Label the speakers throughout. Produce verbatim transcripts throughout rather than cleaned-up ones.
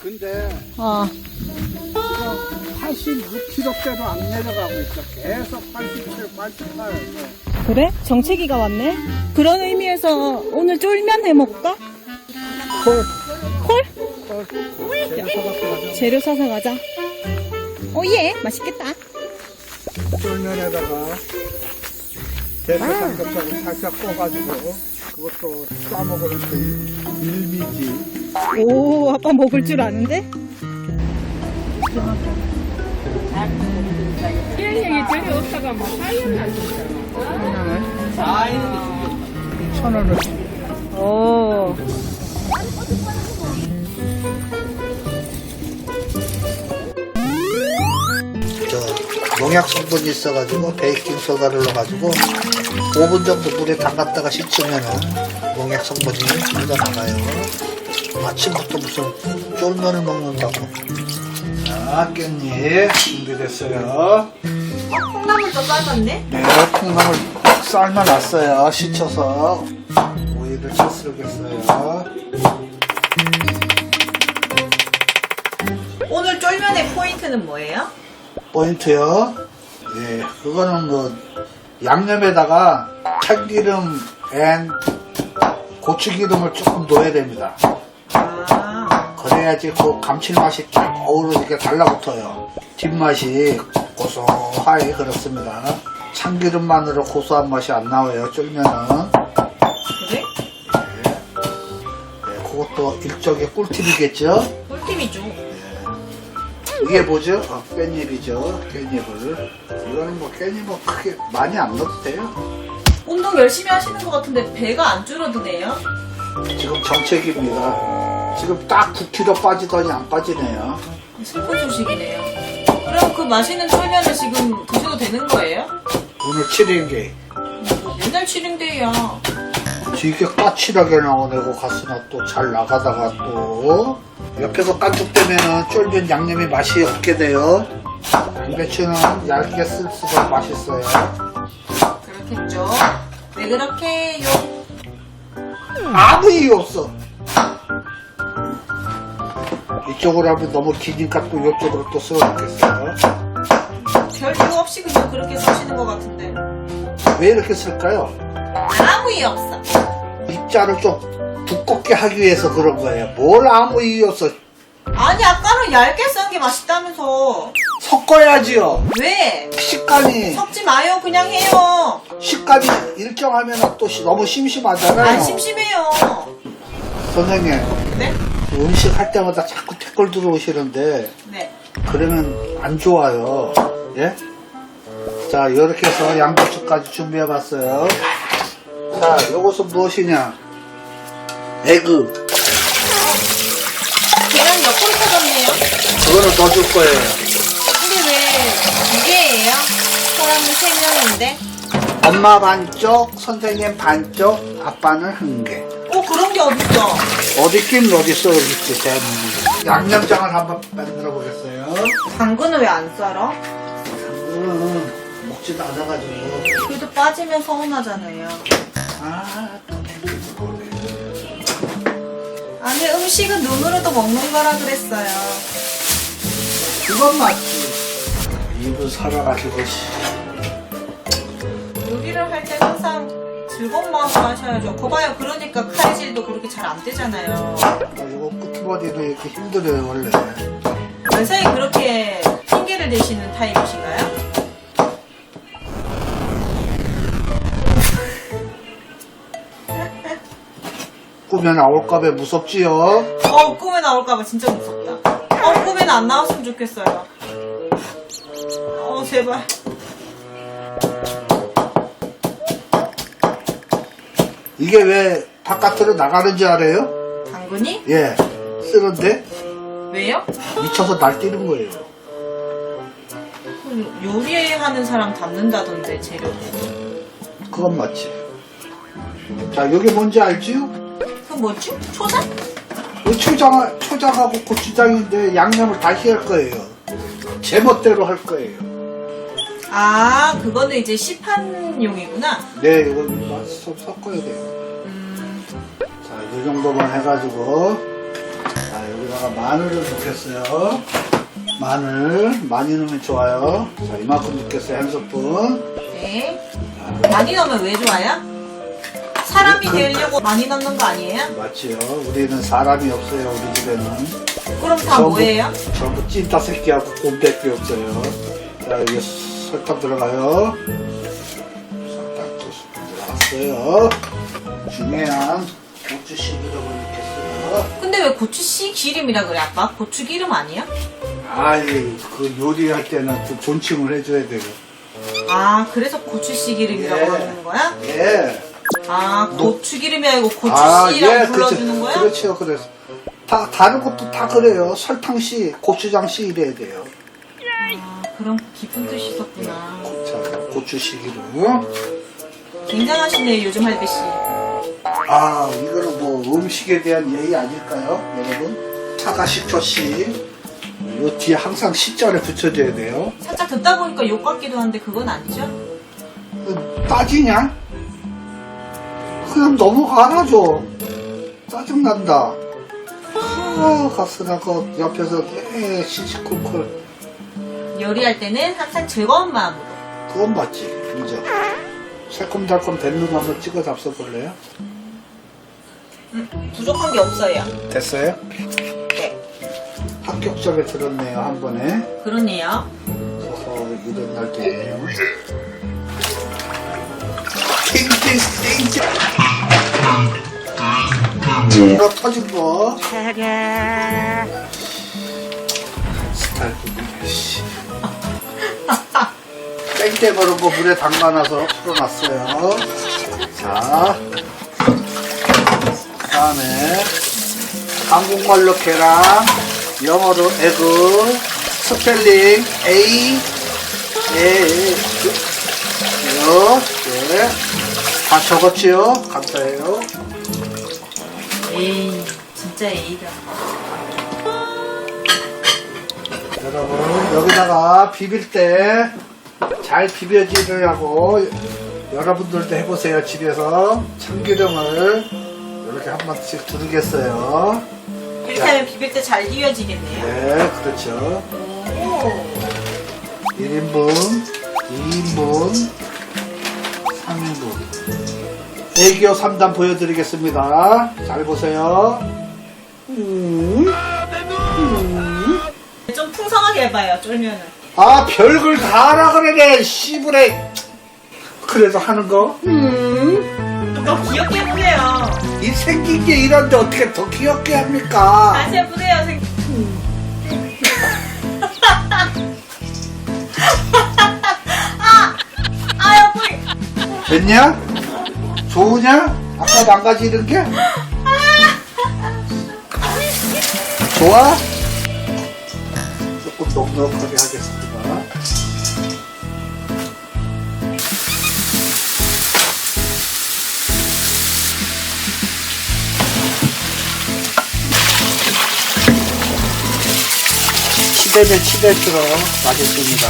Speaker 1: 근데
Speaker 2: 어.
Speaker 1: 지금 팔십육 킬로그램대로 안 내려가고 있어. 계속 팔십칠, 팔십팔.
Speaker 2: 그래? 정체기가 왔네? 그런 의미에서 오늘 쫄면 해 먹을까?
Speaker 1: 콜.
Speaker 2: 콜?
Speaker 1: 콜. 재료 사갖고 가자.
Speaker 2: 재료 사서 가자. 오예, 맛있겠다.
Speaker 1: 쫄면에다가 대패 삼겹살을 살짝 구워가지고 그것도 싸먹으면 그 일미지.
Speaker 2: 오, 아빠 먹을 줄 아는데?
Speaker 3: 얘기 재료 없다가 막 사이는
Speaker 1: 천 원을.
Speaker 2: 오.
Speaker 4: 저 농약 성분이 있어가지고 베이킹 소다를 넣어가지고 오 분 정도 물에 담갔다가 씻으면은 농약 성분이 묻어나가요. 아침부터 무슨 쫄면을 먹는다고. 자, 깻잎 준비됐어요.
Speaker 2: 콩나물도 삶았네?
Speaker 4: 네, 콩나물 삶아놨어요. 씻혀서 오이를 채썰겠어요.
Speaker 2: 오늘 쫄면의 포인트는 뭐예요?
Speaker 4: 포인트요? 예, 그거는 뭐 양념에다가 참기름 앤 고추기름을 조금 넣어야 됩니다.
Speaker 2: 아,
Speaker 4: 그래야지 그 감칠맛이 딱 어우러지게 달라붙어요. 뒷맛이 고소하게 그렇습니다. 참기름만으로 고소한 맛이 안 나와요, 쫄면은.
Speaker 2: 그래?
Speaker 4: 네, 그것도 일종의 꿀팁이겠죠?
Speaker 2: 꿀팁이죠.
Speaker 4: 이게 뭐죠? 어, 깻잎이죠. 깻잎을. 이거는 뭐 깻잎은 크게 많이 안 넣어도 돼요.
Speaker 2: 운동 열심히 하시는 것 같은데 배가 안 줄어드네요?
Speaker 4: 지금 정책입니다. 지금 딱 구 킬로그램 빠지더니 안 빠지네요.
Speaker 2: 슬픈 소식이네요. 그럼 그 맛있는 쫄면을 지금 드셔도 되는 거예요?
Speaker 4: 오늘 칠 인기.
Speaker 2: 뭐 맨날 칠인데요.
Speaker 4: 되게 까칠하게 나오네고 가스나 또 잘 나가다가 또 옆에서 깐죽되면은 쫄면 양념이 맛이 없게 돼요. 양배추는 얇게 쓸수록 맛있어요.
Speaker 2: 그렇겠죠. 왜 그렇게요?
Speaker 4: 아무 이유 없어. 이쪽으로 하면 너무 기니까 또 이쪽으로 또 쓸어놓겠어요.
Speaker 2: 별 이유 없이 그냥 그렇게 쓰시는 것 같은데.
Speaker 4: 왜 이렇게 쓸까요?
Speaker 2: 아무 이유 없어.
Speaker 4: 입자를 좀 두껍게 하기 위해서 그런 거예요. 뭘 아무 이유 없어.
Speaker 2: 아니 아까는 얇게 썬 게 맛있다면서.
Speaker 4: 섞어야지요.
Speaker 2: 왜?
Speaker 4: 식감이
Speaker 2: 섞지 마요. 그냥 해요.
Speaker 4: 식감이 일정하면 또 시- 너무 심심하잖아요.
Speaker 2: 안 심심해요.
Speaker 4: 선생님,
Speaker 2: 네?
Speaker 4: 음식 할 때마다 자꾸 댓글 들어오시는데
Speaker 2: 네.
Speaker 4: 그러면 안 좋아요. 예? 자, 이렇게 해서 양배추까지 준비해봤어요. 자, 요것은 무엇이냐? 에그.
Speaker 2: 계란 옆으로 터졌네요.
Speaker 4: 그거를 넣어줄 거예요.
Speaker 2: 근데 왜 두 개예요? 사람은 세 명인데.
Speaker 4: 엄마 반쪽, 선생님 반쪽, 아빠는 한 개.
Speaker 2: 어 그런 게 어딨어?
Speaker 4: 어디 있긴 어딨어, 여기 있지, 대한민국에. 양념장을 한번 만들어 보겠어요.
Speaker 2: 당근은 왜 안 썰어?
Speaker 4: 음, 먹지도 않아가지고.
Speaker 2: 그래도 빠지면 서운하잖아요.
Speaker 4: 아, 또 댓글 들어오네.
Speaker 2: 아니 음식은 눈으로도 먹는 거라 그랬어요.
Speaker 4: 그건 맞지. 입을 살아가지고, 씨.
Speaker 2: 요리를 할 때 항상 즐거운 마음으로 하셔야죠. 거봐요. 그러니까 칼질도 그렇게 잘 안 되잖아요.
Speaker 4: 그리고 끄트머리도 이렇게 힘들어요, 원래.
Speaker 2: 원사에 그렇게 핑계를 대시는 타입이신가요?
Speaker 4: 꿈에 나올까봐 무섭지요?
Speaker 2: 어 꿈에 나올까봐 진짜 무섭다. 어 꿈에는 안 나왔으면 좋겠어요. 어 제발.
Speaker 4: 이게 왜 바깥으로 나가는지 알아요?
Speaker 2: 당근이?
Speaker 4: 예. 쓰는데
Speaker 2: 왜요?
Speaker 4: 미쳐서 날뛰는 거예요.
Speaker 2: 요리하는 사람 담는다던데 재료.
Speaker 4: 그건 맞지. 자, 여기 뭔지 알지요?
Speaker 2: 그건 뭐지? 초장?
Speaker 4: 이 초장, 초장하고 고추장인데 양념을 다시 할 거예요. 제멋대로 할 거예요.
Speaker 2: 아 그거는 이제 시판용이구나.
Speaker 4: 네, 이건 맛 좀 섞어야 돼요.
Speaker 2: 음,
Speaker 4: 자, 이 정도만 해가지고, 자, 여기다가 마늘을 넣겠어요. 마늘 많이 넣으면 좋아요. 자, 이만큼 넣겠어요. 한 스푼.
Speaker 2: 네. 많이 넣으면 왜 좋아요? 사람이
Speaker 4: 그-
Speaker 2: 되려고 많이 넣는 거 아니에요?
Speaker 4: 맞지요. 우리는 사람이 없어요. 우리 집에는.
Speaker 2: 그럼 다
Speaker 4: 전부-
Speaker 2: 뭐예요?
Speaker 4: 전부 찐따 새끼하고 곰밖에 없어요. 자, 여기 설탕 들어가요. 설탕 두 스푼 들어갔어요. 중요한 고추씨를 넣겠어요.
Speaker 2: 근데 왜 고추씨 기름이라 그래 아빠? 고추 기름 아니야?
Speaker 4: 아이, 그 요리할 때는 그 존칭을 해줘야 돼요.
Speaker 2: 아 그래서 고추씨 기름이라고
Speaker 4: 예.
Speaker 2: 부르는 거야?
Speaker 4: 예.
Speaker 2: 아 고추 기름이 아니고
Speaker 4: 아,
Speaker 2: 고추씨라고
Speaker 4: 예,
Speaker 2: 불러주는
Speaker 4: 그렇죠.
Speaker 2: 거야?
Speaker 4: 그렇죠. 그래서 다 다른 것도 다 그래요. 설탕씨, 고추장씨 이래야 돼요.
Speaker 2: 아 그런 깊은 뜻이 있었구나.
Speaker 4: 자, 고추씨 기름.
Speaker 2: 굉장하시네 요즘 할배씨.
Speaker 4: 아, 이거는 뭐 음식에 대한 예의 아닐까요, 여러분? 사과 식초씨. 요 뒤에 항상 시자를 붙여줘야 돼요.
Speaker 2: 살짝 듣다 보니까 욕 같기도 한데 그건 아니죠?
Speaker 4: 그, 따지냐? 그냥 넘어가라 좀. 짜증난다. 아, 가스나고 옆에서 에 시시콜콜.
Speaker 2: 요리할 때는 항상 즐거운 마음으로.
Speaker 4: 그건 맞지, 인정. 새콤달콤 된 놈 한번 찍어 잡숴볼래요?
Speaker 2: 음, 부족한 게 없어요.
Speaker 4: 됐어요?
Speaker 2: 네.
Speaker 4: 합격점에 들었네요, 한 번에.
Speaker 2: 그러네요.
Speaker 4: 어허, 이런 날도 있네요. 땡땡, 땡땡. 너 터진 거. 스타일 부분이야, 씨. 땡땡으로 거 물에 담가놔서 풀어놨어요. 자. 그 다음에 한국말로 계란, 영어로 에그, 스펠링 A, A, 요, 네. 다 적었지요? 감사해요.
Speaker 2: 에이 진짜 A가.
Speaker 4: 여러분, 여기다가 비빌 때 잘 비벼지려고 여러분들도 해보세요. 집에서 참기름을 이렇게 한 번씩 두르겠어요.
Speaker 2: 이렇게 하면 비빌 때 잘 이어지겠네요.
Speaker 4: 네, 그렇죠.
Speaker 2: 오.
Speaker 4: 일 인분, 이 인분, 삼 인분. 애기요 삼 단 보여드리겠습니다. 잘 보세요. 음. 음.
Speaker 2: 좀 풍성하게 해봐요. 쫄면은.
Speaker 4: 아, 별걸 다 하라 그러네, 씨부레. 그래도 하는 거? 음.
Speaker 2: 좀 더 귀엽게 해보세요.
Speaker 4: 이 생긴 게 이런데 어떻게 더 귀엽게 합니까?
Speaker 2: 다시 해보세요. 생... 아! 아, 옆구리!
Speaker 4: 됐냐? 좋으냐? 아까 망가지는 게? 좋아? 조금 넉넉하게 하겠습니다. 치대면 치댈수록 맛있습니다.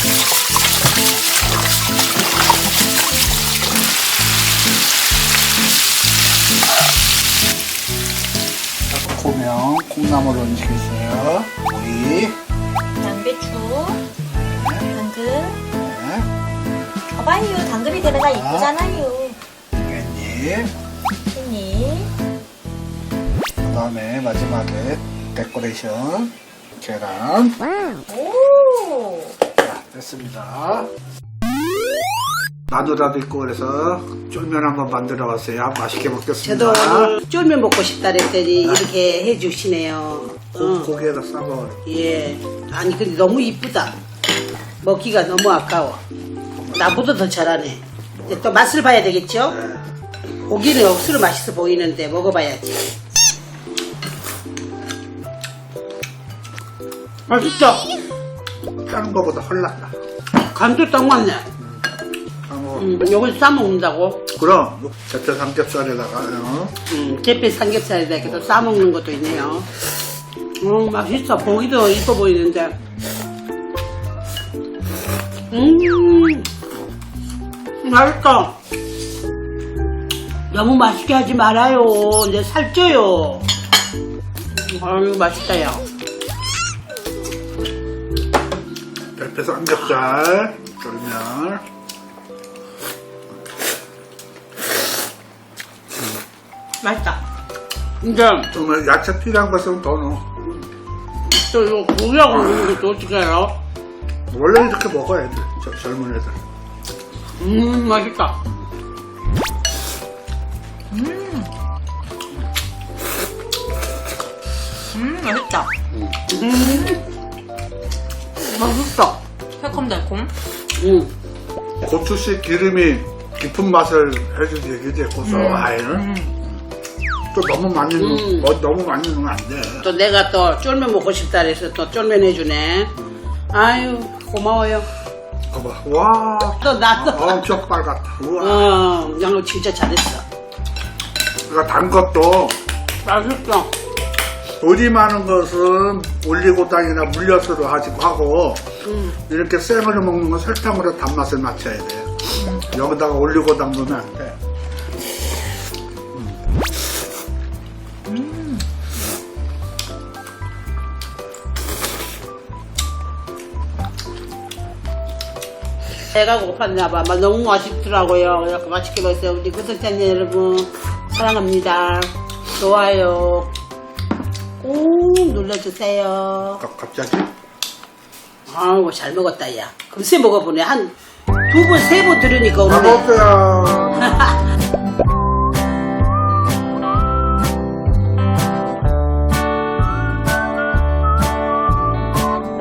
Speaker 4: 고명, 콩나물 얹겠어요. 오이,
Speaker 2: 양배추, 당근.
Speaker 4: 네,
Speaker 2: 봐봐요. 당근이 되면 이쁘잖아요.
Speaker 4: 깻잎,
Speaker 2: 깻잎.
Speaker 4: 그 다음에 마지막에 데코레이션, 계란.
Speaker 2: 오!
Speaker 4: 자, 됐습니다. 마누라도 있고 그래서 쫄면 한번 만들어 봤어요. 맛있게 먹겠습니다.
Speaker 5: 저도 오늘 쫄면 먹고 싶다 그랬더니 이렇게 해주시네요.
Speaker 4: 고,
Speaker 5: 어,
Speaker 4: 고기에다 싸먹어요.
Speaker 5: 예. 아니 근데 너무 이쁘다. 먹기가 너무 아까워. 나보다 더 잘하네. 이제 또 맛을 봐야 되겠죠?
Speaker 4: 네.
Speaker 5: 고기는 억수로 맛있어 보이는데 먹어봐야지. 맛있다.
Speaker 4: 다른 거보다 헐났다.
Speaker 5: 간도 딱 맞네.
Speaker 4: 어,
Speaker 5: 음, 요걸 싸먹는다고?
Speaker 4: 그럼 대패 삼겹살에다가 어?
Speaker 5: 음, 제페 삼겹살에다 이렇게 또 싸먹는 것도 있네요. 음, 맛있어. 보기도 이뻐 보이는데. 음, 맛있다. 너무 맛있게 하지 말아요. 이제 살쪄요. 아유 맛있다 야.
Speaker 4: 옆에 삼겹살, 쫄면.
Speaker 2: 맛있다.
Speaker 5: 근데
Speaker 4: 정말 야채 필요한 것은 더 넣어.
Speaker 5: 또 이거 고기하고 먹는 것도 어떻게 해요?
Speaker 4: 원래 이렇게 먹어야 돼, 저 젊은 애들.
Speaker 5: 음 맛있다.
Speaker 2: 음. 음, 맛있다.
Speaker 5: 맛있어.
Speaker 2: 새콤달콤.
Speaker 5: 음.
Speaker 4: 고추씨 기름이 깊은 맛을 해주지, 그지? 고소하게. 또 너무 많이 넣,
Speaker 5: 음.
Speaker 4: 뭐, 너무 많이 넣으면 안 돼.
Speaker 5: 또 내가 또 쫄면 먹고 싶다 그래서 또 쫄면 해주네. 아유 고마워요.
Speaker 4: 봐봐. 와.
Speaker 5: 또 나도.
Speaker 4: 엄청 빨갛다. 우와.
Speaker 5: 어, 양로 진짜 잘했어.
Speaker 4: 그러니까 단 것도
Speaker 5: 맛있어.
Speaker 4: 돌이 많은 것은 올리고당이나 물엿으로 하지도 하고,
Speaker 5: 음.
Speaker 4: 이렇게 생으로 먹는 건 설탕으로 단맛을 맞춰야 돼. 여기다가 올리고당 넣으면 안 돼.
Speaker 5: 배가 고팠나 봐. 막 너무 맛있더라고요. 이렇게 맛있게 먹었어요. 우리 구독자님 여러분 사랑합니다. 좋아요 꼭 눌러주세요.
Speaker 4: 가- 갑자기?
Speaker 5: 아우 잘 먹었다 야. 금세 먹어보네. 한 두 번 세 번 들으니까
Speaker 4: 다
Speaker 5: 오네.
Speaker 4: 먹었어요.